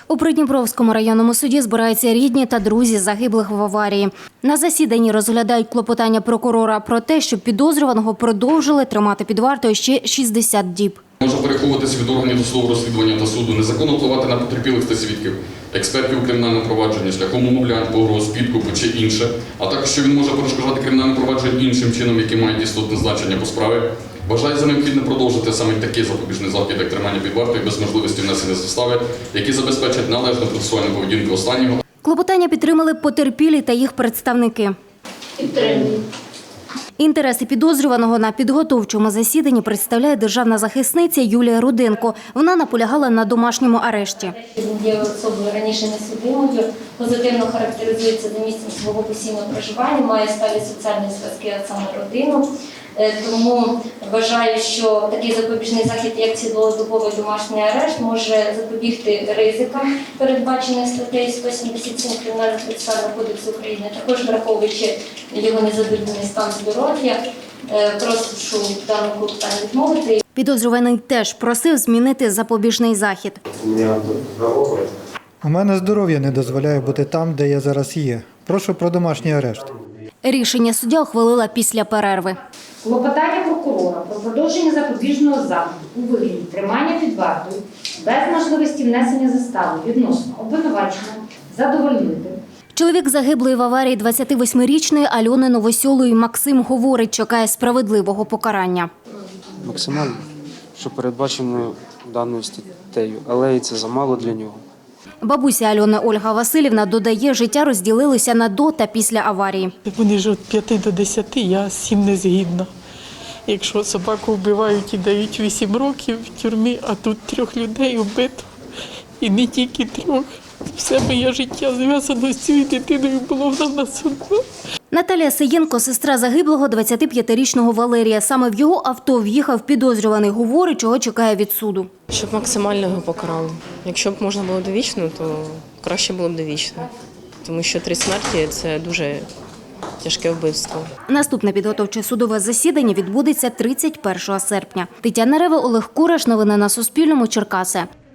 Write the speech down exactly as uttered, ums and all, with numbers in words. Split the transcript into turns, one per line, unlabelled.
У Придніпровському районному суді збираються рідні та друзі загиблих в аварії. На засіданні розглядають клопотання прокурора про те, щоб підозрюваного продовжили тримати під вартою ще шістдесят діб.
Може переховуватися від органів досудового розслідування та суду, незаконно впливати на потерпілих та свідків, експертів у кримінальному провадженні шляхом умовлянь, погроз, підкупу чи інше, а також що він може перешкоджати кримінальне провадження іншим чином, які мають істотне значення по справі. Вважає за необхідне продовжити саме такий запобіжний захід, як тримання під вартою без можливості внесення застави, які забезпечать належну процесуальну поведінку останнього.
Клопотання підтримали потерпілі та їх представники.
Підтримую.
Інтереси підозрюваного на підготовчому засіданні представляє державна захисниця Юлія Руденко. Вона наполягала на домашньому арешті.
Він є особою раніше несудимою, позитивно характеризується за місцем свого постійного проживання, має сталі соціальні зв'язки, а саме родину. Тому вважаю, що такий запобіжний захід, як цілодобовий домашній арешт, може запобігти ризикам, передбачених статтею сто сімдесят сім Кримінального процесуального кодексу України, також враховуючи його незадовільний стан здоров'я. Прошу даному клопотанню відмовити.
Підозрюваний теж просив змінити запобіжний захід.
У мене здоров'я не дозволяє бути там, де я зараз є. Прошу про домашній арешт.
Рішення суддя ухвалила після перерви.
Клопотання прокурора про продовження запобіжного заходу у вигляді тримання під вартою без можливості внесення застави відносно обвинуваченого задовольнити.
Чоловік загиблої в аварії двадцятивосьмирічної Альони Новосьолої Максим говорить, чекає справедливого покарання.
Максимально, що передбачено даною статтею, але і це замало для нього.
Бабуся Альони Ольга Василівна додає, життя розділилося на до та після аварії.
Вони ж від п'яти до десяти, я з цим не згідна. Якщо собаку вбивають і дають вісім років в тюрмі, а тут трьох людей вбито, і не тільки трьох. Все моє життя зв'язано з цією дитиною, було в нас одно.
Наталія Саєнко – сестра загиблого двадцятип'ятирічного Валерія. Саме в його авто в'їхав підозрюваний. Говорить, чого чекає від суду.
Щоб максимально його покарали. Якщо б можна було довічно, то краще було б довічно. Тому що три смерті – це дуже тяжке вбивство.
Наступне підготовче судове засідання відбудеться тридцять першого серпня. Тетяна Рева, Олег Кураш. Новини на Суспільному. Черкаси.